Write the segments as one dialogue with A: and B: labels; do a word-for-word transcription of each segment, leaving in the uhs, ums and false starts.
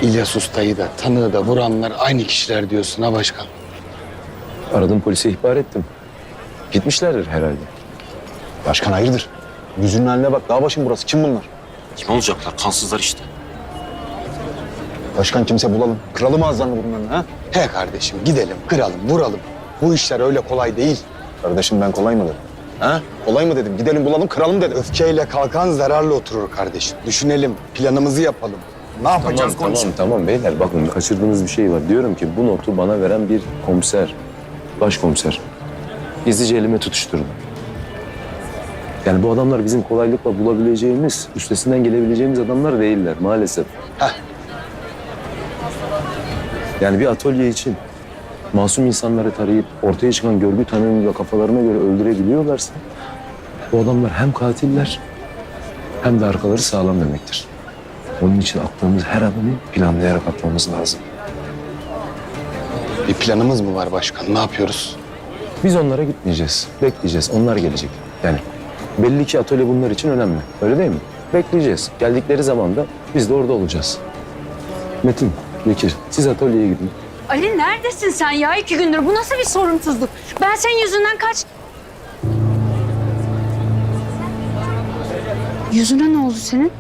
A: İlyas Usta'yı da tanığı da vuranlar aynı kişiler diyorsun ha başkan.
B: Aradım, polise ihbar ettim. Gitmişlerdir herhalde.
C: Başkan hayırdır? Yüzünün haline bak. Dağ başım burası. Kim bunlar?
D: Kim olacaklar? Kansızlar işte.
C: Başkan kimse bulalım. Kıralım ağızlarını bunların ha?
A: He kardeşim gidelim, kıralım, vuralım. Bu işler öyle kolay değil.
C: Kardeşim ben kolay mı dedim? Ha? Kolay mı dedim? Gidelim bulalım kıralım dedim.
A: Öfkeyle kalkan zararla oturur kardeşim. Düşünelim, planımızı yapalım. Ne yapacağız
B: Tamam,
A: konuşalım.
B: tamam, tamam beyler. Bakın kaçırdığınız bir şey var. Diyorum ki bu notu bana veren bir komiser, başkomiser. Gizlice elime tutuşturdu. Yani bu adamlar bizim kolaylıkla bulabileceğimiz, üstesinden gelebileceğimiz adamlar değiller maalesef.
A: Heh.
B: Yani bir atölye için masum insanları tarayıp ortaya çıkan görgü tanığıyla kafalarına göre öldürebiliyorlarsa bu adamlar hem katiller hem de arkaları sağlam demektir. Onun için attığımız her adımı planlayarak atmamız lazım.
A: Bir planımız mı var başkan? Ne yapıyoruz?
B: Biz onlara gitmeyeceğiz. Bekleyeceğiz. Onlar gelecek. Yani belli ki atölye bunlar için önemli. Öyle değil mi? Bekleyeceğiz. Geldikleri zaman da biz de orada olacağız. Metin, Bekir, siz atölyeye gidin.
E: Ali neredesin sen ya? İki gündür bu nasıl bir sorumsuzluk? Ben senin yüzünden kaç... Yüzüne ne oldu senin?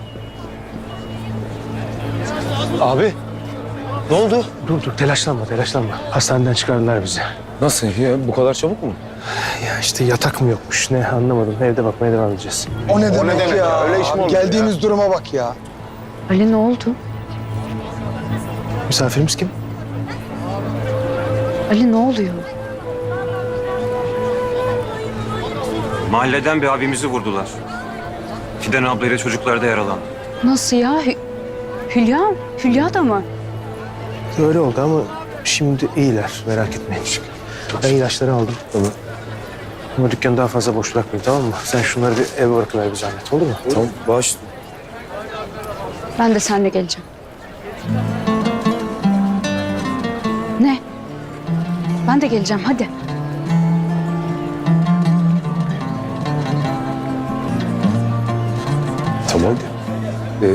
C: Abi. Ne oldu?
F: Dur dur telaşlanma telaşlanma. Hastaneden çıkardılar bizi.
B: Nasıl ya? Bu kadar çabuk mu?
F: Ya işte yatak mı yokmuş ne anlamadım. Evde bakmaya devam edeceğiz.
A: O ne demek,
C: ne demek
A: ya?
C: ya? Öyle iş mi olur
A: Geldiğimiz
C: ya?
A: duruma bak ya.
E: Ali ne oldu?
F: Misafirimiz kim?
E: Ali ne oluyor?
D: Mahalleden bir abimizi vurdular. Fidan ablayla çocuklar da yaralandı.
E: Nasıl ya? Hü- Hülya? Hülya da mı?
F: Öyle oldu ama şimdi iyiler merak etmeyin. Ben ilaçları aldım. Tamam. Ama dükkanı daha fazla boş bırakmayın tamam mı? Sen şunları bir eve bırakıver bir zahmet olur mu?
B: Tamam, baş.
E: Ben de seninle geleceğim. Ne? Ben de geleceğim hadi.
B: Tamam. Ee,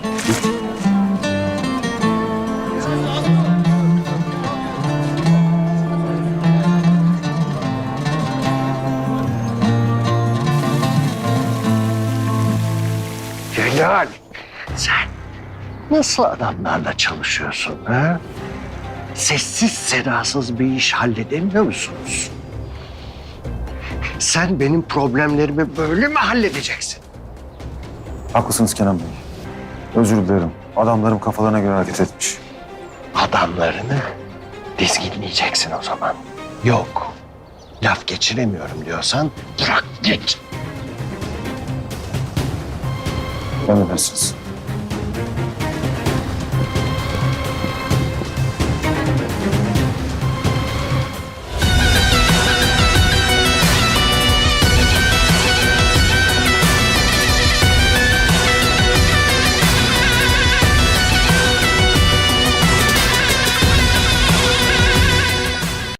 G: Celal, sen nasıl adamlarla çalışıyorsun ha? Sessiz sedasız bir iş halledemiyor musunuz? Sen benim problemlerimi böyle mi halledeceksin?
C: Haklısınız Kenan Bey. Özür dilerim. Adamlarım kafalarına göre hareket etmiş.
G: Adamlarını dizginleyeceksin o zaman. Yok, laf geçiremiyorum diyorsan bırak git.
C: Emredersiniz.